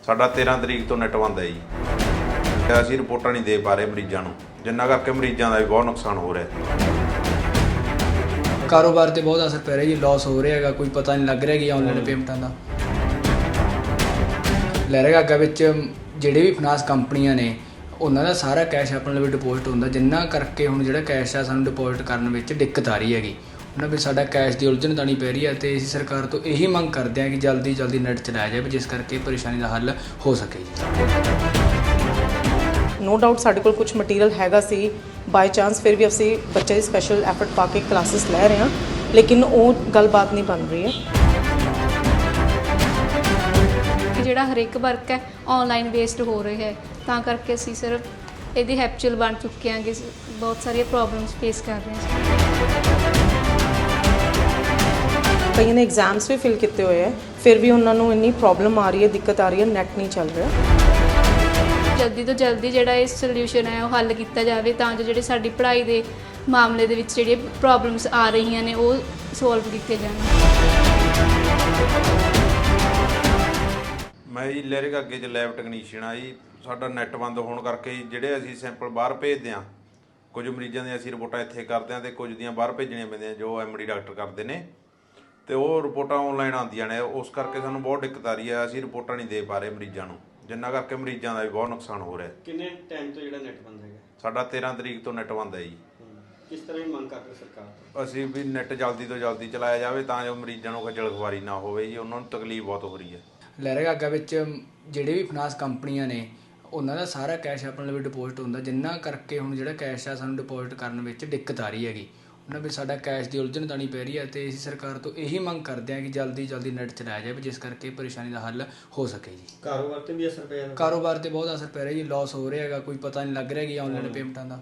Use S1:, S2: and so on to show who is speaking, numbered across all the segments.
S1: ਸਾਡਾ 13 ਤਰੀਕ ਤੋਂ ਨੈਟ ਬੰਦ ਹੈ ਜੀ। ਅਸੀਂ ਰਿਪੋਰਟਾਂ ਨਹੀਂ ਦੇ ਪਾ ਰਹੇ ਮਰੀਜ਼ਾਂ ਨੂੰ, ਜਿੰਨਾ ਕਰਕੇ ਮਰੀਜ਼ਾਂ ਦਾ ਵੀ ਬਹੁਤ ਨੁਕਸਾਨ ਹੋ ਰਿਹਾ।
S2: ਕਾਰੋਬਾਰ ਤੇ ਬਹੁਤ ਅਸਰ ਪੈ ਰਿਹਾ ਜੀ, ਲਾਸ ਹੋ ਰਿਹਾ ਹੈਗਾ, ਕੋਈ ਪਤਾ ਨਹੀਂ ਲੱਗ ਰਿਹਾ ਕਿ ਆਨਲਾਈਨ ਪੇਮੈਂਟਾਂ ਦਾ। ਲਹਿਰਾ ਗਾਗਾ ਵਿੱਚ ਜਿਹੜੇ ਵੀ ਫਾਈਨਾਂਸ ਕੰਪਨੀਆਂ ਨੇ ਉਹਨਾਂ ਦਾ ਸਾਰਾ ਕੈਸ਼ ਆਪਣੇ ਲਈ ਡਿਪੋਜ਼ਿਟ ਹੁੰਦਾ, ਜਿੰਨਾ ਕਰਕੇ ਹੁਣ ਜਿਹੜਾ ਕੈਸ਼ ਆ ਸਾਨੂੰ ਡਿਪੋਜ਼ਿਟ ਕਰਨ ਵਿੱਚ ਦਿੱਕਤ ਆ ਰਹੀ ਹੈਗੀ। ਉਹਨਾਂ ਵਿੱਚ ਸਾਡਾ ਕੈਸ਼ ਦੀ ਉਲਝਣ ਤਾਣੀ ਪੈ ਰਹੀ ਹੈ ਤੇ ਅਸੀਂ ਸਰਕਾਰ ਤੋਂ ਇਹੀ ਮੰਗ ਕਰਦੇ ਹਾਂ ਕਿ ਜਲਦੀ ਨੈਟ ਚਲਾਇਆ ਜਾਵੇ, ਜਿਸ ਕਰਕੇ ਪਰੇਸ਼ਾਨੀ ਦਾ ਹੱਲ ਹੋ ਸਕੇ ਜੀ।
S3: ਨੋ ਡਾਊਟ ਸਾਡੇ ਕੋਲ ਕੁਝ ਮਟੀਰੀਅਲ ਹੈਗਾ ਸੀ, ਬਾਈ ਚਾਂਸ ਫਿਰ ਵੀ ਅਸੀਂ ਬੱਚੇ ਦੀ ਸਪੈਸ਼ਲ ਐਫਰਟ ਪਾ ਕੇ ਕਲਾਸਿਸ ਲੈ ਰਹੇ ਹਾਂ, ਲੇਕਿਨ ਉਹ ਗੱਲਬਾਤ ਨਹੀਂ ਬਣ ਰਹੀ ਹੈ।
S4: ਜਿਹੜਾ ਹਰੇਕ ਵਰਕ ਹੈ ਆਨਲਾਈਨ ਵੇਸਟ ਹੋ ਰਿਹਾ ਹੈ, ਤਾਂ ਕਰਕੇ ਅਸੀਂ ਸਿਰਫ ਇਹਦੀ ਹੈਪਚੁਅਲ ਬਣ ਚੁੱਕੇ ਹਾਂ ਕਿ ਬਹੁਤ ਸਾਰੀਆਂ ਪ੍ਰੋਬਲਮਸ ਫੇਸ ਕਰ ਰਹੇ ਹਾਂ।
S3: ਕਈਆਂ ਨੇ ਐਗਜ਼ਾਮਸ ਵੀ ਫਿਲ ਕੀਤੇ ਹੋਏ ਹੈ, ਫਿਰ ਵੀ ਉਹਨਾਂ ਨੂੰ ਇੰਨੀ ਪ੍ਰੋਬਲਮ ਆ ਰਹੀ ਹੈ, ਦਿੱਕਤ ਆ ਰਹੀ ਹੈ, ਨੈਟ ਨਹੀਂ ਚੱਲ ਰਿਹਾ।
S4: ਜਲਦੀ ਤੋਂ ਜਲਦੀ ਜਿਹੜਾ ਇਹ ਸੋਲੂਸ਼ਨ ਹੈ ਉਹ ਹੱਲ ਕੀਤਾ ਜਾਵੇ, ਤਾਂ ਜੋ ਜਿਹੜੇ ਸਾਡੀ ਪੜ੍ਹਾਈ ਦੇ ਮਾਮਲੇ ਦੇ ਵਿੱਚ ਜਿਹੜੀਆਂ ਪ੍ਰੋਬਲਮਸ ਆ ਰਹੀਆਂ ਨੇ ਉਹ ਸੋਲਵ ਕੀਤੇ ਜਾਣ।
S1: ਮੈਂ ਜੀ ਲਹਿਰਾ ਗਾਗੇ 'ਚ ਲੈਬ ਟੈਕਨੀਸ਼ੀਅਨ ਆ ਜੀ। ਸਾਡਾ ਨੈਟ ਬੰਦ ਹੋਣ ਕਰਕੇ ਜਿਹੜੇ ਅਸੀਂ ਸੈਂਪਲ ਬਾਹਰ ਭੇਜਦੇ ਹਾਂ, ਕੁਝ ਮਰੀਜ਼ਾਂ ਦੀਆਂ ਅਸੀਂ ਰਿਪੋਰਟਾਂ ਇੱਥੇ ਕਰਦੇ ਹਾਂ ਤੇ ਕੁਝ ਦੀਆਂ ਬਾਹਰ ਭੇਜਣੀਆਂ ਪੈਂਦੀਆਂ ਜੋ ਐਮਡੀ ਡਾਕਟਰ ਕਰਦੇ ਨੇ, ਤੇ ਉਹ ਰਿਪੋਰਟਾਂ ਆਨਲਾਈਨ ਆਉਂਦੀਆਂ ਨੇ। ਉਸ ਕਰਕੇ ਸਾਨੂੰ ਬਹੁਤ ਦਿੱਕਤ ਆ ਰਹੀ ਹੈ, ਅਸੀਂ ਰਿਪੋਰਟਾਂ ਨਹੀਂ ਦੇ ਪਾ ਰਹੇ ਮਰੀਜ਼ਾਂ ਨੂੰ, ਜਿੰਨਾ ਕਰਕੇ ਮਰੀਜ਼ਾਂ ਦਾ ਵੀ ਬਹੁਤ ਨੁਕਸਾਨ ਹੋ ਰਿਹਾ।
S5: ਕਿੰਨੇ ਟਾਈਮ ਤੋਂ ਜਿਹੜਾ ਨੈਟ ਬੰਦ ਹੈਗਾ?
S1: ਸਾਡਾ 13 ਤਰੀਕ ਤੋਂ ਨੈਟ ਬੰਦ ਹੈ ਜੀ।
S5: ਕਿਸ ਤਰ੍ਹਾਂ ਦੀ ਮੰਗ ਕਰਦੇ ਸਰਕਾਰ ਤੋਂ?
S1: ਅਸੀਂ ਵੀ ਨੈਟ ਜਲਦੀ ਤੋਂ ਜਲਦੀ ਚਲਾਇਆ ਜਾਵੇ ਤਾਂ ਜੋ ਮਰੀਜ਼ਾਂ ਨੂੰ ਖੱਜਲ ਖੁਆਰੀ ਨਾ ਹੋਵੇ ਜੀ, ਉਹਨਾਂ ਨੂੰ ਤਕਲੀਫ ਬਹੁਤ ਹੋ ਰਹੀ ਹੈ।
S2: ਲਹਿਰਾ ਗਾਗਾ ਵਿੱਚ ਜਿਹੜੇ ਵੀ ਫਾਈਨਾਂਸ ਕੰਪਨੀਆਂ ਨੇ ਉਹਨਾਂ ਦਾ ਸਾਰਾ ਕੈਸ਼ ਆਪਣੇ ਲਈ ਡਿਪੋਜ਼ਿਟ ਹੁੰਦਾ, ਜਿੰਨਾ ਕਰਕੇ ਹੁਣ ਜਿਹੜਾ ਕੈਸ਼ ਆ ਸਾਨੂੰ ਡਿਪੋਜ਼ਿਟ ਕਰਨ ਵਿੱਚ ਦਿੱਕਤ ਆ ਰਹੀ ਹੈਗੀ। ਉਹਨਾਂ ਵਿੱਚ ਸਾਡਾ ਕੈਸ਼ ਦੀ ਉਲਝਣ ਤਾਣੀ ਪੈ ਰਹੀ ਹੈ ਤੇ ਅਸੀਂ ਸਰਕਾਰ ਤੋਂ ਇਹੀ ਮੰਗ ਕਰਦੇ ਹਾਂ ਕਿ ਜਲਦੀ ਨੈਟ ਚਲਾਇਆ ਜਾਵੇ, ਜਿਸ ਕਰਕੇ ਪਰੇਸ਼ਾਨੀ ਦਾ ਹੱਲ ਹੋ ਸਕੇ ਜੀ।
S5: ਕਾਰੋਬਾਰ ਤੇ ਵੀ ਅਸਰ ਪਿਆ?
S2: ਕਾਰੋਬਾਰ ਤੇ ਬਹੁਤ ਅਸਰ ਪੈ ਰਿਹਾ ਜੀ, ਲਾਸ ਹੋ ਰਿਹਾ ਹੈਗਾ, ਕੋਈ ਪਤਾ ਨਹੀਂ ਲੱਗ ਰਿਹਾ ਕਿ ਆਨਲਾਈਨ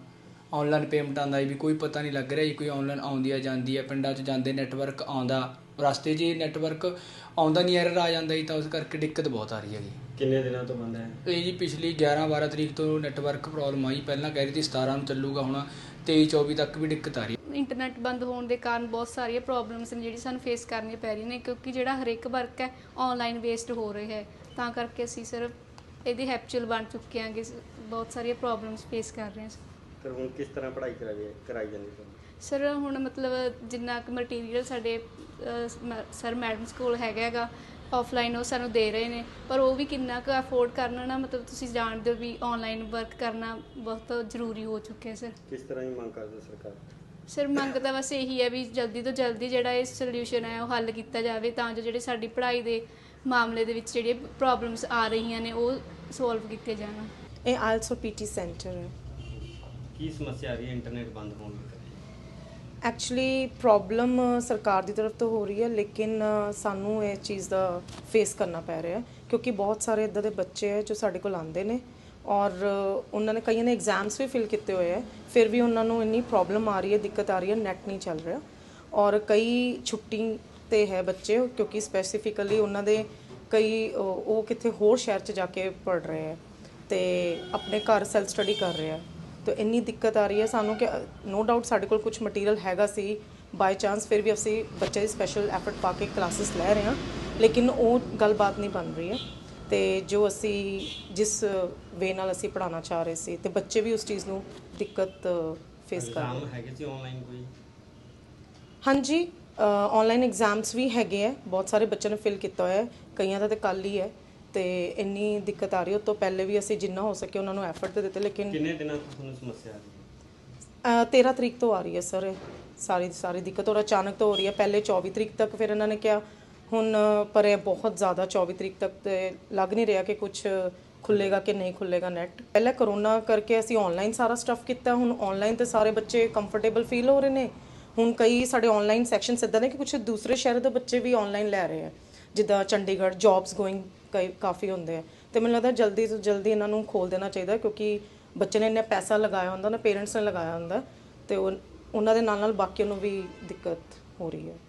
S2: ਪੇਮੈਂਟਾਂ ਦਾ ਵੀ ਕੋਈ ਪਤਾ ਨਹੀਂ ਲੱਗ ਰਿਹਾ ਜੀ। ਕੋਈ ਆਨਲਾਈਨ ਆਉਂਦੀ ਹੈ ਜਾਂਦੀ ਹੈ, ਪਿੰਡਾਂ 'ਚ ਜਾਂਦੇ ਨੈਟਵਰਕ ਆਉਂਦਾ, ਰਸਤੇ 'ਚ ਨੈਟਵਰਕ ਆਉਂਦਾ ਨਹੀਂ, ਐਰਰ ਆ ਜਾਂਦਾ ਜੀ, ਤਾਂ ਉਸ ਕਰਕੇ ਦਿੱਕਤ ਬਹੁਤ ਆ ਰਹੀ ਹੈਗੀ।
S5: ਕਿੰਨੇ ਦਿਨਾਂ ਤੋਂ ਬੰਦ ਹੈ
S2: ਇਹ ਜੀ? ਪਿਛਲੀ 11-12 ਤਰੀਕ ਤੋਂ ਨੈਟਵਰਕ ਪ੍ਰੋਬਲਮ ਆਈ, ਪਹਿਲਾਂ ਕਹਿ ਰਹੀ ਸੀ 17 ਨੂੰ ਚੱਲੂਗਾ, ਹੁਣ 23-24 ਤੱਕ ਵੀ ਦਿੱਕਤ ਆ ਰਹੀ ਹੈ।
S4: ਇੰਟਰਨੈਟ ਬੰਦ ਹੋਣ ਦੇ ਕਾਰਨ ਬਹੁਤ ਸਾਰੀਆਂ ਪ੍ਰੋਬਲਮਸ ਨੇ ਜਿਹੜੀ ਸਾਨੂੰ ਫੇਸ ਕਰਨੀਆਂ ਪੈ ਰਹੀਆਂ ਨੇ, ਕਿਉਂਕਿ ਜਿਹੜਾ ਹਰੇਕ ਵਰਕ ਹੈ ਆਨਲਾਈਨ ਵੇਸਟ ਹੋ ਰਿਹਾ ਹੈ, ਤਾਂ ਕਰਕੇ ਅਸੀਂ ਸਿਰਫ ਇਹਦੀ ਹੈਪਚੁਅਲ ਬਣ ਚੁੱਕੇ ਹਾਂ ਕਿ ਬਹੁਤ ਸਾਰੀਆਂ ਪ੍ਰੋਬਲਮਸ ਫੇਸ ਕਰ ਰਹੇ ਹਾਂ।
S5: ਫਿਰ ਹੁਣ ਕਿਸ ਤਰ੍ਹਾਂ ਪੜ੍ਹਾਈ ਕਰਾਈ ਜਾਂਦੀ ਤੁਹਾਨੂੰ?
S4: ਸਰ ਹੁਣ ਮਤਲਬ ਜਿੰਨਾ ਕੁ ਮਟੀਰੀਅਲ ਸਾਡੇ ਸਰ ਮੈਡਮਸ ਕੋਲ ਹੈਗਾ ਆਫਲਾਈਨ ਉਹ ਸਾਨੂੰ ਦੇ ਰਹੇ ਨੇ, ਪਰ ਉਹ ਵੀ ਕਿੰਨਾ ਕੁ ਅਫੋਰਡ ਕਰਨਾ ਨਾ, ਮਤਲਬ ਤੁਸੀਂ ਜਾਣਦੇ ਹੋ ਵੀ ਆਨਲਾਈਨ ਵਰਕ ਕਰਨਾ ਬਹੁਤ ਜ਼ਰੂਰੀ ਹੋ ਚੁੱਕਿਆ ਸਰ।
S5: ਕਿਸ ਤਰ੍ਹਾਂ ਦੀ ਮੰਗ ਕਰਦੇ ਸਰਕਾਰ?
S4: ਸਰ ਮੰਗ ਤਾਂ ਬਸ ਇਹੀ ਹੈ ਵੀ ਜਲਦੀ ਤੋਂ ਜਲਦੀ ਜਿਹੜਾ ਇਹ ਸੋਲੂਸ਼ਨ ਹੈ ਉਹ ਹੱਲ ਕੀਤਾ ਜਾਵੇ, ਤਾਂ ਜੋ ਜਿਹੜੇ ਸਾਡੀ ਪੜ੍ਹਾਈ ਦੇ ਮਾਮਲੇ ਦੇ ਵਿੱਚ ਜਿਹੜੀਆਂ ਪ੍ਰੋਬਲਮਸ ਆ ਰਹੀਆਂ ਨੇ ਉਹ ਸੋਲਵ ਕੀਤੇ ਜਾਣ।
S3: ਇਹ ਆਇਲਸ ਪੀਟੀ ਸੈਂਟਰ ਹੈ।
S5: ਕੀ ਸਮੱਸਿਆ ਆ ਰਹੀ ਹੈ ਇੰਟਰਨੈਟ ਬੰਦ ਹੋਣ ਦੀ?
S3: ਐਕਚੁਅਲੀ ਪ੍ਰੋਬਲਮ ਸਰਕਾਰ ਦੀ ਤਰਫ ਤੋਂ ਹੋ ਰਹੀ ਹੈ, ਲੇਕਿਨ ਸਾਨੂੰ ਇਹ ਚੀਜ਼ ਦਾ ਫੇਸ ਕਰਨਾ ਪੈ ਰਿਹਾ, ਕਿਉਂਕਿ ਬਹੁਤ ਸਾਰੇ ਇੱਦਾਂ ਦੇ ਬੱਚੇ ਹੈ ਜੋ ਸਾਡੇ ਕੋਲ ਆਉਂਦੇ ਨੇ ਔਰ ਉਹਨਾਂ ਨੇ ਕਈਆਂ ਨੇ ਐਗਜ਼ਾਮਸ ਵੀ ਫਿਲ ਕੀਤੇ ਹੋਏ ਹੈ, ਫਿਰ ਵੀ ਉਹਨਾਂ ਨੂੰ ਇੰਨੀ ਪ੍ਰੋਬਲਮ ਆ ਰਹੀ ਹੈ, ਦਿੱਕਤ ਆ ਰਹੀ ਹੈ, ਨੈਟ ਨਹੀਂ ਚੱਲ ਰਿਹਾ। ਔਰ ਕਈ ਛੁੱਟੀ 'ਤੇ ਹੈ ਬੱਚੇ, ਕਿਉਂਕਿ ਸਪੈਸੀਫਿਕਲੀ ਉਹਨਾਂ ਦੇ ਕਈ ਉਹ ਕਿਤੇ ਹੋਰ ਸ਼ਹਿਰ 'ਚ ਜਾ ਕੇ ਪੜ੍ਹ ਰਹੇ ਹੈ ਅਤੇ ਆਪਣੇ ਘਰ ਸੈਲਫ ਸਟੱਡੀ ਕਰ ਰਹੇ ਹੈ, ਤਾਂ ਇੰਨੀ ਦਿੱਕਤ ਆ ਰਹੀ ਹੈ ਸਾਨੂੰ ਕਿ ਨੋ ਡਾਊਟ ਸਾਡੇ ਕੋਲ ਕੁਝ ਮਟੀਰੀਅਲ ਹੈਗਾ ਸੀ, ਬਾਈ ਚਾਂਸ ਫਿਰ ਵੀ ਅਸੀਂ ਬੱਚੇ ਦੀ ਸਪੈਸ਼ਲ ਐਫਰਟ ਪਾ ਕੇ ਕਲਾਸਿਸ ਲੈ ਰਹੇ ਹਾਂ, ਲੇਕਿਨ ਉਹ ਗੱਲਬਾਤ ਨਹੀਂ ਬਣ ਰਹੀ ਹੈ। ਅਤੇ ਜੋ ਅਸੀਂ ਜਿਸ ਵੇ ਨਾਲ ਅਸੀਂ ਪੜ੍ਹਾਉਣਾ ਚਾਹ ਰਹੇ ਸੀ ਅਤੇ ਬੱਚੇ ਵੀ ਉਸ ਚੀਜ਼ ਨੂੰ ਦਿੱਕਤ ਫੇਸ ਕਰ ਰਹੇ
S5: ਹੈਗੇ ਸੀ ਆਨਲਾਈਨ ਕੋਈ?
S3: ਹਾਂਜੀ, ਆਨਲਾਈਨ ਐਗਜ਼ਾਮਸ ਵੀ ਹੈਗੇ ਹੈ, ਬਹੁਤ ਸਾਰੇ ਬੱਚਿਆਂ ਨੇ ਫਿਲ ਕੀਤਾ ਹੋਇਆ ਹੈ, ਕਈਆਂ ਦਾ ਤਾਂ ਕੱਲ੍ਹ ਹੀ ਹੈ, ਅਤੇ ਇੰਨੀ ਦਿੱਕਤ ਆ ਰਹੀ। ਉਹ ਤੋਂ ਪਹਿਲੇ ਵੀ ਅਸੀਂ ਜਿੰਨਾ ਹੋ ਸਕੇ ਉਹਨਾਂ ਨੂੰ ਐਫਰਟ ਦੇ ਦਿੱਤੇ, ਲੇਕਿਨ
S5: ਕਿੰਨੇ ਦਿਨਾਂ ਤੋਂ ਤੁਹਾਨੂੰ ਸਮੱਸਿਆ ਆ ਰਹੀ
S3: ਹੈ? 13 ਤਰੀਕ ਤੋਂ ਆ ਰਹੀ ਹੈ ਸਰ, ਸਾਰੀ ਦਿੱਕਤ ਔਰ ਅਚਾਨਕ ਤੋਂ ਹੋ ਰਹੀ ਹੈ। ਪਹਿਲੇ 24 ਤਰੀਕ ਤੱਕ ਫਿਰ ਇਹਨਾਂ ਨੇ ਕਿਹਾ, ਹੁਣ ਪਰ ਇਹ ਬਹੁਤ ਜ਼ਿਆਦਾ 24 ਤਰੀਕ ਤੱਕ ਤੇ ਲੱਗ ਨਹੀਂ ਰਿਹਾ ਕਿ ਕੁਝ ਖੁੱਲ੍ਹੇਗਾ ਕਿ ਨਹੀਂ ਖੁੱਲ੍ਹੇਗਾ ਨੈਟ। ਪਹਿਲਾਂ ਕਰੋਨਾ ਕਰਕੇ ਅਸੀਂ ਆਨਲਾਈਨ ਸਾਰਾ ਸਟੱਫ ਕੀਤਾ, ਹੁਣ ਆਨਲਾਈਨ ਤੇ ਸਾਰੇ ਬੱਚੇ ਕੰਫਰਟੇਬਲ ਫੀਲ ਹੋ ਰਹੇ ਨੇ। ਹੁਣ ਕਈ ਸਾਡੇ ਆਨਲਾਈਨ ਸੈਕਸ਼ਨਸ ਇੱਦਾਂ ਨੇ ਕਿ ਕੁਝ ਦੂਸਰੇ ਸ਼ਹਿਰ ਦੇ ਬੱਚੇ ਵੀ ਆਨਲਾਈਨ ਲੈ ਰਹੇ ਆ, ਜਿੱਦਾਂ ਚੰਡੀਗੜ੍ਹ ਜੌਬਸ ਗੋਇੰਗ ਕਾਫੀ ਹੁੰਦੇ ਆ, ਅਤੇ ਮੈਨੂੰ ਲੱਗਦਾ ਜਲਦੀ ਤੋਂ ਜਲਦੀ ਇਹਨਾਂ ਨੂੰ ਖੋਲ੍ਹ ਦੇਣਾ ਚਾਹੀਦਾ, ਕਿਉਂਕਿ ਬੱਚੇ ਨੇ ਇੰਨਾ ਪੈਸਾ ਲਗਾਇਆ ਹੁੰਦਾ ਨਾ, ਪੇਰੈਂਟਸ ਨੇ ਲਗਾਇਆ ਹੁੰਦਾ, ਅਤੇ ਉਹਨਾਂ ਦੇ ਨਾਲ ਬਾਕੀਆਂ ਨੂੰ ਵੀ ਦਿੱਕਤ ਹੋ ਰਹੀ ਹੈ।